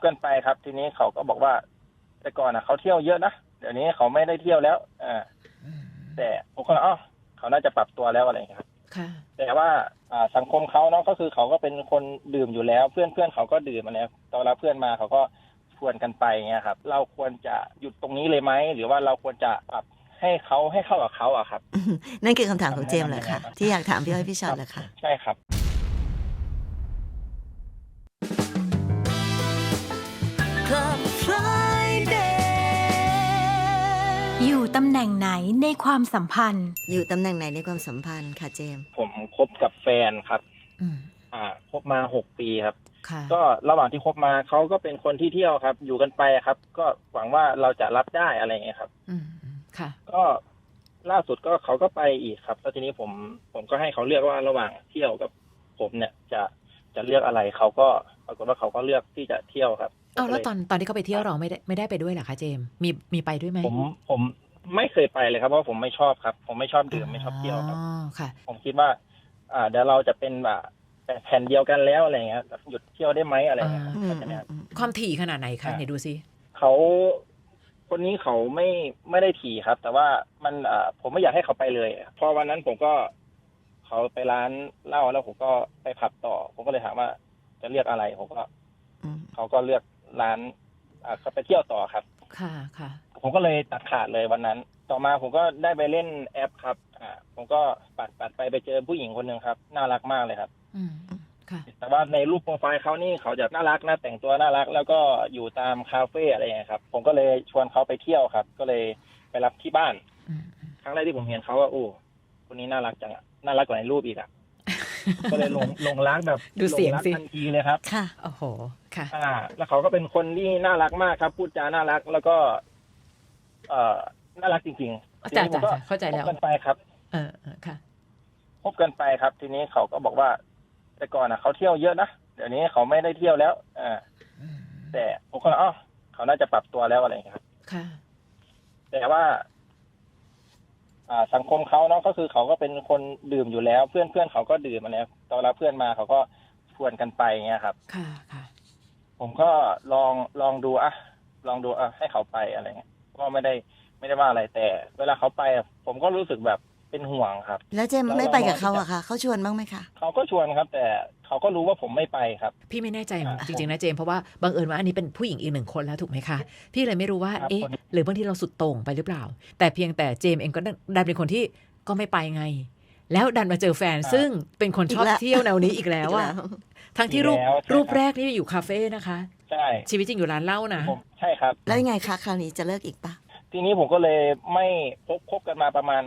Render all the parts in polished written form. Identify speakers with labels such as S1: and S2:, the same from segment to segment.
S1: กันไปครับทีนี้เขาก็บอกว่าแต่ก่อนเขาเที่ยวเยอะนะเดี๋ยวนี้เขาไม่ได้เที่ยวแล้วแต่ผมก็เขาน่าจะปรับตัวแล้วอะไรอย่างเงี้ยครับแต่ว่าสังคมเขาเนาะก็คือเขาก็เป็นคนดื่มอยู่แล้วเพื่อนเขาก็ดื่มมาแล้วตอนรับเพื่อนมาเขาก็ชวนกันไปเงี้ยครับเราควรจะหยุดตรงนี้เลยไหมหรือว่าเราควรจะปรับให้เข้ากับเขาอะครับ
S2: นั่นคือคำถามของเจมส์เหรอคะที่อยากถามพี่อ้อยพี่ชอตเหรอคะ
S1: ใช่ครับ
S3: อยู่ตำแหน่งไหนในความสัมพันธ์
S2: อยู่ตำแหน่งไหนในความสัมพันธ์ค่ะเจมส์
S1: ผมคบกับแฟนครับคบมา6 ปีครับก็ระหว่างที่คบมาเขาก็เป็นคนที่เที่ยวครับอยู่กันไปครับก็หวังว่าเราจะรับได้อะไรเงี้ยครับ
S4: ค่ะ
S1: ก็ล่าสุดก็เขาก็ไปอีกครับแล้วทีนี้ผมก็ให้เขาเลือกว่าระหว่างเที่ยวกับผมเนี่ยจะเลือกอะไรเขาก็ปรากฏว่าเขาก็เลือกที่จะเที่ยวครับ
S4: แล้วตอนที่เขาไปเที่ยวเราไม่ได้ไปด้วยเหรอคะเจมส์มีไปด้วยไหม
S1: ผมไม่เคยไปเลยครับเพราะผมไม่ชอบครับผมไม่ชอบดื่มไม่ชอบเที่ยวครับ
S4: ค่ะ
S1: ผมคิดว่าเดี๋ยวเราจะเป็นแบบแผ่นเดียวกันแล้วอะไรเงี้ยหยุดเที่ยวได้ไหมอะไรเงี้ย
S4: ความถี่ขนาดไหนคะไหนดูซิ
S1: เขาคนนี้เขาไม่ได้ถี่ครับแต่ว่ามันผมไม่อยากให้เขาไปเลยพอวันนั้นผมก็เขาไปร้านเหล้าแล้วผมก็ไปผับต่อผมก็เลยถามว่าจะเลือกอะไรผมก็เขาก็เลือกร้านเขาไปเที่ยวต่อครับ
S4: ค่ะ
S1: ผมก็เลยตัดขาดเลยวันนั้นต่อมาผมก็ได้ไปเล่นแอปครับผมก็ปัดไปเจอผู้หญิงคนนึงครับน่ารักมากเลยครับแต่ว่าในรูปโปรไฟล์เขานี่เขาจะน่ารักนะแต่งตัวน่ารักแล้วก็อยู่ตามคาเฟ่อะไรอย่างเงี้ยครับผมก็เลยชวนเขาไปเที่ยวครับก็เลยไปรับที่บ้านครั้งแรกที่ผมเห็นเขาว่าโอ้คนนี้น่ารักจังน่ารักกว่าในรูปอีกก็เลยลงรักแบบ
S4: ดูเสียงสิ
S1: ทันทีเลยครับ
S2: ค่ะ
S4: โอ้โหค่ะ
S1: แล้วเขาก็เป็นคนที่น่ารักมากครับพูดจาน่ารักแล้วก็น่ารักจริงๆ
S4: จ้ะเข้าใจแล้ว
S1: คบกันไปครับ
S4: ค่ะ
S1: คบกันไปครับทีนี้เขาก็บอกว่าแต่ก่อนเขาเที่ยวเยอะนะเดี๋ยวนี้เขาไม่ได้เที่ยวแล้วแต่ผมก็เขาน่าจะปรับตัวแล้วอะไรอย่างเงี้ยครับ
S4: ค่ะ
S1: แต่ว่าสังคมเขาเนาะก็คือเขาก็เป็นคนดื่มอยู่แล้วเพื่อนเขาก็ดื่มมาแล้วตอนรับเพื่อนมาเขาก็ชวนกันไปเงี้ยครับ
S4: ค่ะ
S1: ผมก็ลองดูให้เขาไปอะไรเงี้ยก็ไม่ได้ว่าอะไรแต่เวลาเขาไปผมก็รู้สึกแบบเป็นห่วงครับ
S2: แล้วเจมไม่ไปกับเขาอะคะเขาชวนบ้างไหมคะ
S1: เขาก็ชวนครับแต่เขาก็รู้ว่าผมไม่ไปครับ
S4: พี่ไม่แน่ใจจริงๆนะเจมเพราะว่าบังเอิญว่าอันนี้เป็นผู้หญิงอีก1 คนแล้วถูกไหมคะพี่เลยไม่รู้ว่าหรือบางทีเราสุดโต่งไปหรือเปล่าแต่เพียงแต่เจมเองก็ดันเป็นคนที่ก็ไม่ไปไงแล้วดันมาเจอแฟนซึ่งเป็นคนชอบเที่ยวแนวนี้อีกแล้วอะทั้งที่รูปแรกนี่อยู่คาเฟ่นะคะ
S1: ใช่
S4: ชีวิตจริงอยู่ร้านเหล้านะ
S1: ใช่ครับ
S2: แล้วยังไงคะคราวนี้จะเลิกอีกปะ
S1: ทีนี้ผมก็เลยไม่คบกันมาประมาณ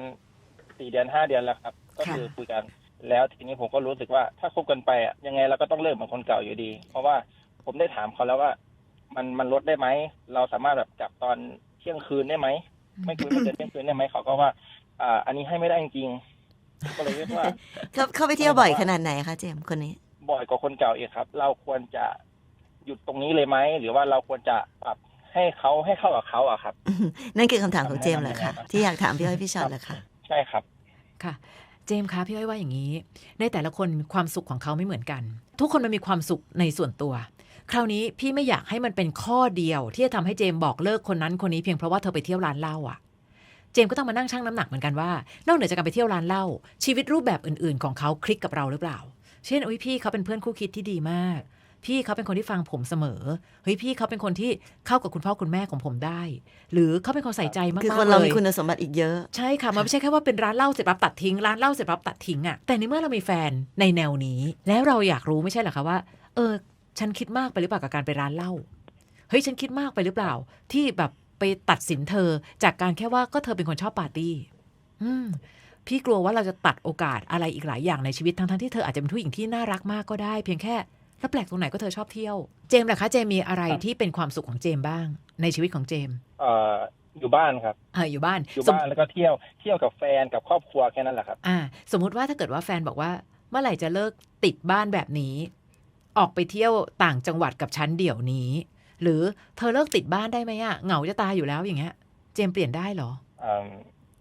S1: 4 เดือน 5 เดือนแล้วครับก็คือคุยกันแล้วทีนี้ผมก็รู้สึกว่าถ้าคบกันไปยังไงเราก็ต้องเลิกเหมือนคนเก่าอยู่ดีเพราะว่าผมได้ถามเขาแล้วว่ามันลดได้ไหมเราสามารถแบบกลับตอนเที่ยงคืนได้ไหมไม่คุยไม่เกินเที่ยงคืนได้ไหมเขาก็ว่าอันนี้ให้ไม่ได้จริงๆก็เลยเรียกว่า
S2: เขาไปเที่ยวบ่อยขนาดไหนคะเจมคนนี้
S1: บ่อยกว่าคนเก่าอีกครับเราควรจะหยุดตรงนี้เลยไหมหรือว่าเราควรจะปรับให้เข้ากับเขาครับ
S2: นั่นคือคำถามของเจมส์เหรอคะที่อยากถามพี่อ้อยพี่ชอตเหรอคะ
S1: ใช่ครับ
S4: ค่ะเจมส์คะพี่อ้อยว่าอย่างนี้ในแต่ละคนความสุขของเขาไม่เหมือนกันทุกคนมันมีความสุขในส่วนตัวคราวนี้พี่ไม่อยากให้มันเป็นข้อเดียวที่จะทำให้เจมส์บอกเลิกคนนั้นคนนี้เพียงเพราะว่าเธอไปเที่ยวร้านเหล้าเจมส์ก็ต้องมานั่งชั่งน้ำหนักเหมือนกันว่านอกเหนือจากการไปเที่ยวร้านเหล้าชีวิตรูปแบบอื่นๆของเขาคลิกกับเราหรือเปล่าเช่นพี่เขาเป็นเพื่อนคู่คิดที่ดีมากพี่เขาเป็นคนที่ฟังผมเสมอพี่เขาเป็นคนที่เข้ากับคุณพ่อคุณแม่ของผมได้หรือเขาเป็นคนใส่ใจมากๆเลย
S2: คือคนเรามีคุณสมบัติอีกเยอะ
S4: ใช่ค่ะมันไม่ใช่แค่ว่าเป็นร้านเหล้าเสร็จปั๊บตัดทิ้งร้านเหล้าเสร็จปั๊บตัดทิ้งแต่ในเมื่อเรามีแฟนในแนวนี้แล้วเราอยากรู้ไม่ใช่เหรอคะว่าฉันคิดมากไปหรือเปล่ากับการไปร้านเหล้าฉันคิดมากไปหรือเปล่าที่แบบไปตัดสินเธอจากการแค่ว่าก็เธอเป็นคนชอบปาร์ตี้พี่กลัวว่าเราจะตัดโอกาสอะไรอีกหลายอย่างในชีวิตทั้งที่เธออาจจะเป็นผู้หญิงที่น่ารักมากก็ได้เพียงแค่แล้วแปลกตรงไหนก็เธอชอบเที่ยวเจมส์ล่ะคะเจมมีอะไรที่เป็นความสุขของเจมบ้างในชีวิตของเจม
S1: อยู่บ้านครับ
S4: อยู่บ้าน
S1: แล้วก็เที่ยวกับแฟนกับครอบครัวแค่นั้นแหละครับ
S4: สมมุติว่าถ้าเกิดว่าแฟนบอกว่าเมื่อไหร่จะเลิกติดบ้านแบบนี้ออกไปเที่ยวต่างจังหวัดกับฉันเดี๋ยวนี้หรือเธอเลิกติดบ้านได้ไหมเหงาจะตายอยู่แล้วอย่างเงี้ยเจมเปลี่ยนได้เหรอ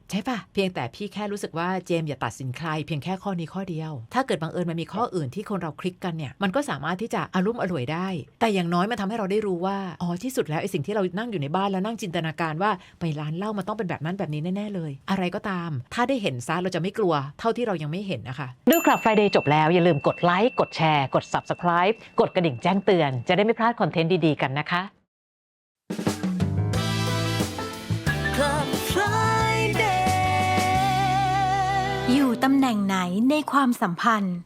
S4: ใช่ปะเพียงแต่พี่แค่รู้สึกว่าเจมส์อย่าตัดสินใครเพียงแค่ข้อนี้ข้อเดียวถ้าเกิดบังเอิญมันมีข้ออื่นที่คนเราคลิกกันเนี่ยมันก็สามารถที่จะอารมณ์อร่วยได้แต่อย่างน้อยมันทำให้เราได้รู้ว่าอ๋อที่สุดแล้วไอ้สิ่งที่เรานั่งอยู่ในบ้านแล้วนั่งจินตนาการว่าไปร้านเหล้ามันต้องเป็นแบบนั้นแบบนี้แน่ๆเลยอะไรก็ตามถ้าได้เห็นซะเราจะไม่กลัวเท่าที่เรายังไม่เห็นนะคะ
S5: ดูคลับ Friday จบแล้วอย่าลืมกดไลค์กดแชร์กด Subscribe กดกระดิ่งแจ้งเตือนจะได้ไม่พลาดคอนเทนต์ดีๆกันนะคะ
S2: Club Friday
S3: อยู่ตำแหน่งไหนในความสัมพันธ์